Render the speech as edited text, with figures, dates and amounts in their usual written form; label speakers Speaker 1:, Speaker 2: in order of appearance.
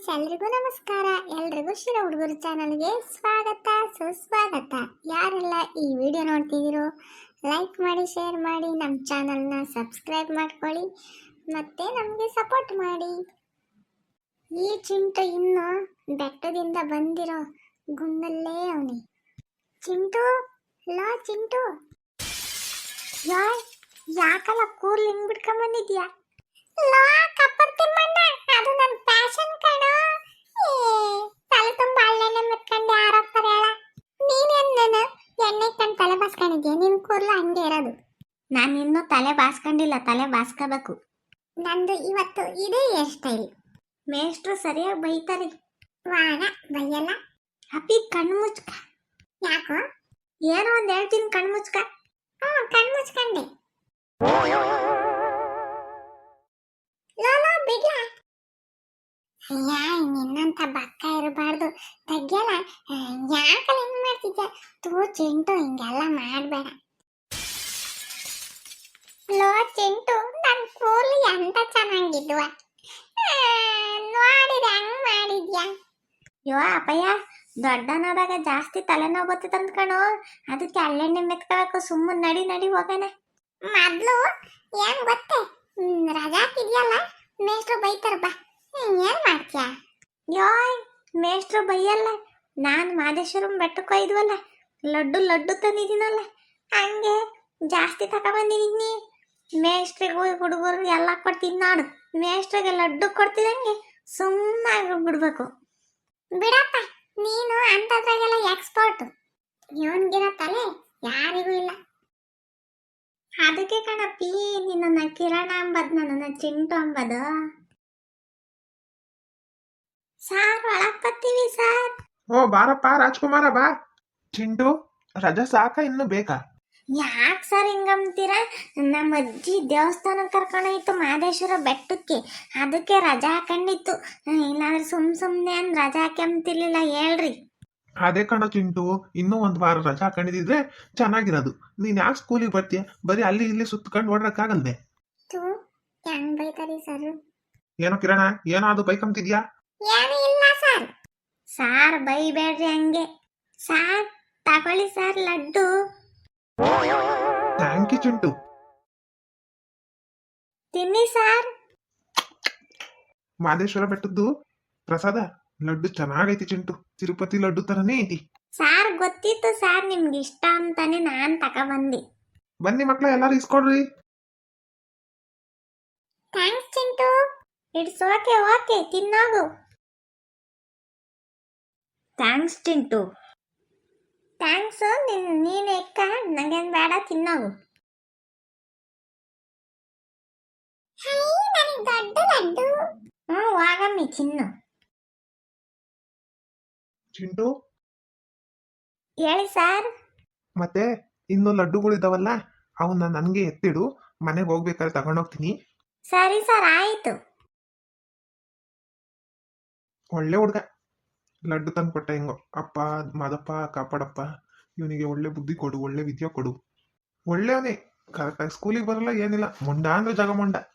Speaker 1: Friends, ಎಲ್ರಿಗೂ ನಮಸ್ಕಾರ. ಎಲ್ರಿಗೂ ಶಿರ ಹುಡುಗರು ಚಾನಲ್ಗೆ ಸ್ವಾಗತ ಸುಸ್ವಾಗತ. ಯಾರೆಲ್ಲ ಈ ವಿಡಿಯೋ ನೋಡ್ತಿದ್ದೀರೋ ಲೈಕ್ ಮಾಡಿ, ಶೇರ್ ಮಾಡಿ, ನಮ್ಮ ಚಾನಲ್ನ ಸಬ್ಸ್ಕ್ರೈಬ್ ಮಾಡ್ಕೊಳ್ಳಿ ಮತ್ತೆ ನಮಗೆ ಸಪೋರ್ಟ್ ಮಾಡಿ. ಈ ಚಿಂಟು ಇನ್ನು ಬೆಟ್ಟದಿಂದ ಬಂದಿರೋ ಗುಂಡಲ್ಲೇ ಅವನಿ. ಚಿಂಟು, ಲೋ ಚಿಂಟು, ಯಾಕಲ್ಲ ಕೂರ್ಲಿ ಹಿಂಗ್ ಬಿಡ್ಕೊಂಬಂದಿದ್ಯಾ? ಲೋ ಕಪ್ಪರ್ ತಿಮ್ಮಣ್ಣ, ಅದು ನನ್ನ ಪ್ಯಾಷನ್ ಕಣೋ. ತಲೆ ತುಂಬ ಹಳ್ಳೆಣ್ಣೆ ಮೆತ್ಕೊಂಡು ಯಾರೋಗ್ತಾರೆ ಹೇಳ? ನೀನೇನು ಎಣ್ಣೆ ಕಂಡು ತಲೆ ಬಾಸ್ಕೊಂಡಿದ್ಯಾ? ನಿನ್ ಕೂರ್ಲು ಹಂಗೆ ಇರೋದು. ನಾನು ಇನ್ನೂ ತಲೆ ಬಾಸ್ಕೊಂಡಿಲ್ಲ, ತಲೆ ಬಾಸ್ಕೋಬೇಕು. ನಂದು ಇವತ್ತು ಇದೇ ಹೇರ್ ಸ್ಟೈಲ್. ಮೇಷ್ಟ್ರು ಸರಿಯಾಗಿ ಬೈತಾರೆ. ವಾಗ ಬೈಯಲ್ಲ. ಅಪ್ಪಿ ಕಣ್ಣು ಮುಚ್ಕ. ಯಾಕೋ? ಏನೋ ಒಂದು ಹೇಳ್ತೀನಿ, ಕಣ್ಣು ಮುಚ್ಕ. ಕಣ್ಣು ಮುಚ್ಕೊಂಡೆ. ಲೋಲೋ ಬಿಡ್ಲಾ? ನಿನ್ನಂತ ಬಕ್ಕ ಇರಬಾರ್ದು, ತಗ್ಯಲ್ಲ. ಯಾಕಲ್ಲ ಹಿಂಗ್ ಮಾಡ್ತಿದ್ಯ? ತೂ ಚಿಂಟು, ಹಿಂಗೆಲ್ಲ ಮಾಡ್ಬೇಡ. ಲೋ ಚಿಂಟು, ನನ್ ಕೂರ್ಲಿ ಎಂತ ಚೆನ್ನಾಗಿದ್ವ, ನೋಡಿದ ಹಂಗ್ ಮಾಡಿದ್ಯಾ? ಯೋ ಅಪ್ಪಯ್ಯ, ದೊಡ್ಡನಾದಾಗ ಜಾಸ್ತಿ ತಲೆನೋವು ಬರ್ತೈತೆ ಅಂದ್ಕಣೋ, ಅದಕ್ಕೆ ಹಳ್ಳೆಣ್ಣೆ ಮೆತ್ಕೋಬೇಕು. ಸುಮ್ಮನೆ ನಡಿ ನಡಿ ಹೋಗೋಣ. ಮೊದ್ಲು ಏನ್ ಗೊತ್ತೇ, ರಜಾಕಿದ್ಯಲ್ಲ, ಮೇಷ್ಟ್ರು ಬೈತಾರ ಬಾ. ಏನ್ ಮಾಡ್ತೀಯ? ಯೋಯ್, ಮೇಷ್ಟ್ರು ಬೈಯಲ್ಲ. ನಾನು ಮಾದೇಶ್ವರಂ ಬೆಟ್ಟಕ್ಕೆ ಹೋಯ್ದ್ವಲ್ಲ, ಲಡ್ಡು ತಂದಿದ್ದೀನಲ್ಲ, ಹಂಗೆ ಜಾಸ್ತಿ ತಗೊಬಂದಿದ್ದೀನಿ. ಮೇಷ್ಟ್ರಿಗೂ ಹುಡುಗರು ಎಲ್ಲ ಕೊಡ್ತೀನಿ ನೋಡು. ಮೇಷ್ಟ್ರಿಗೆ ಲಡ್ಡು ಕೊಡ್ತಿದಂಗೆ ಸುಮ್ಮನೆ ಬಿಡ್ಬೇಕು. ಬಿಡಪ್ಪ, ನೀನು ಅಂಥದ್ರಾಗೆಲ್ಲ ಎಕ್ಸ್ಪರ್ಟ್. ಇವನ್ಗಿರೋ ತಲೆ ಯಾರಿಗೂ ಇಲ್ಲ. ಅದಕ್ಕೆ ಕಣಪ್ಪಿ ನಿನ್ನ ಕಿರಣ ಅಂಬದ್, ನನ್ನ ಚಿಂಟು ಅಂಬದು. ಸಾರ್ ಒಳಗ್ ಬರ್ತೀವಿ ಸಾರ್.
Speaker 2: ಓ ಬಾರಪ್ಪ ರಾಜ್ಕುಮಾರ, ಬಾ. ಚಿಂಟು, ರಜಾ ಸಾಕ ಇನ್ನು ಬೇಕಾ?
Speaker 1: ಯಾಕೆ ಸರ್ ಹಿಂಗಂತೀರ? ನಮ್ಮ ಅಜ್ಜಿ ದೇವಸ್ಥಾನಕ್ಕೆ ಕರ್ಕೊಂಡೋಯ್ತು ಮಾದೇಶ್ವರ ಬೆಟ್ಟಕ್ಕೆ, ಅದಕ್ಕೆ ರಜಾ ಹಾಕೊಂಡಿತ್ತು. ಇಲ್ಲಾಂದ್ರೆ ಸುಮ್ಮನೆ ಅಂದ್ ರಜಾ ಹಾಕ್ಯಂತಿರ್ಲಿಲ್ಲ. ಹೇಳ್ರಿ.
Speaker 2: ಅದೇ ಕಣ ಚಿಂಟು, ಇನ್ನೂ ಒಂದು ವಾರ ರಜಾ ಹಾಕೊಂಡಿದ್ರೆ ಚೆನ್ನಾಗಿರೋದು. ನೀನ್ ಯಾಕೆ ಸ್ಕೂಲಿಗೆ ಬರ್ತೀಯ? ಬರೀ ಅಲ್ಲಿ ಇಲ್ಲಿ ಸುತ್ಕೊಂಡು ಓಡಕ್ಕಾಗಲ್ವೇ?
Speaker 1: ಹೆಂಗ್ ಬೈತಾರಿ ಸರ್?
Speaker 2: ಏನೋ ಕಿರಣ, ಏನಾದ್ರು ಬೈಕಂತಿದ್ಯಾ?
Speaker 1: ಏನೂ ಇಲ್ಲ ಸರ್. ಸಾರ್ ಬೈಬೇಡ್ರಿ ಹಂಗೆ. ಸಾರ್ ತಗೊಳ್ಳಿ sir laddu.
Speaker 2: Thank you Chintu.
Speaker 1: ತಿನ್ನಿ ಸಾರ್.
Speaker 2: ಮಾದೇಶ್ವರ ಬೆಟ್ಟದ್ದು ಪ್ರಸಾದ ಲಡ್ಡು ಚೆನ್ನಾಗೈತಿ ಚಿಂಟು, ತಿರುಪತಿ ಲಡ್ಡು ತರನೇ ಐತಿ.
Speaker 1: ಸಾರ್ ಗೊತ್ತಿತ್ತು ಸಾರ್ ನಿಮ್ಗೆ ಇಷ್ಟ ಅಂತಾನೆ ನಾನ್ ತಗೊಬಂದಿ.
Speaker 2: ಬನ್ನಿ ಮಕ್ಳ, ಎಲ್ಲಾರು ಇಸ್ಕೊಡ್ರಿ.
Speaker 1: Thanks Chintu. It's okay okay, ತಿನ್ನೋಗು. ಥ್ಯಾಂಕ್ಸ್ ಚಿಂಟು. ಥ್ಯಾಂಕ್ಸ್. ನೀನ್ ಎಕ್ಕ, ನಂಗೇನ್ ಬೇಡ, ತಿನ್ನೋಗು. ದೊಡ್ಡ ಲಡ್ಡು. ವಾಗಮ್ಮಿ ಚಿನ್ನು.
Speaker 2: ಚಿಂಟು,
Speaker 1: ಹೇಳಿ ಸಾರ್.
Speaker 2: ಮತ್ತೆ ಇನ್ನು ಲಡ್ಡುಗಳಿದಾವಲ್ಲ, ಅವನ್ನ ನನ್ಗೆ ಎತ್ತಿಡು, ಮನೆಗೆ ಹೋಗ್ಬೇಕಾದ್ರೆ ತಗೊಂಡೋಗ್ತೀನಿ.
Speaker 1: ಸರಿ ಸರ್, ಆಯ್ತು.
Speaker 2: ಒಳ್ಳೆ ಹುಡ್ಗ, ಲಡ್ಡು ತಂದು ಕೊಟ್ಟ. ಹೆಂಗೋ ಅಪ್ಪ ಮಾದಪ್ಪ ಕಾಪಾಡಪ್ಪ, ಇವನಿಗೆ ಒಳ್ಳೆ ಬುದ್ಧಿ ಕೊಡು, ಒಳ್ಳೆ ವಿದ್ಯೆ ಕೊಡು. ಒಳ್ಳೆಯವನೇ, ಕರೆಕ್ಟಾಗಿ ಸ್ಕೂಲಿಗೆ ಬರಲ್ಲ, ಏನಿಲ್ಲ, ಮುಂಡ ಅಂದ್ರೆ ಜಗಮುಂಡ.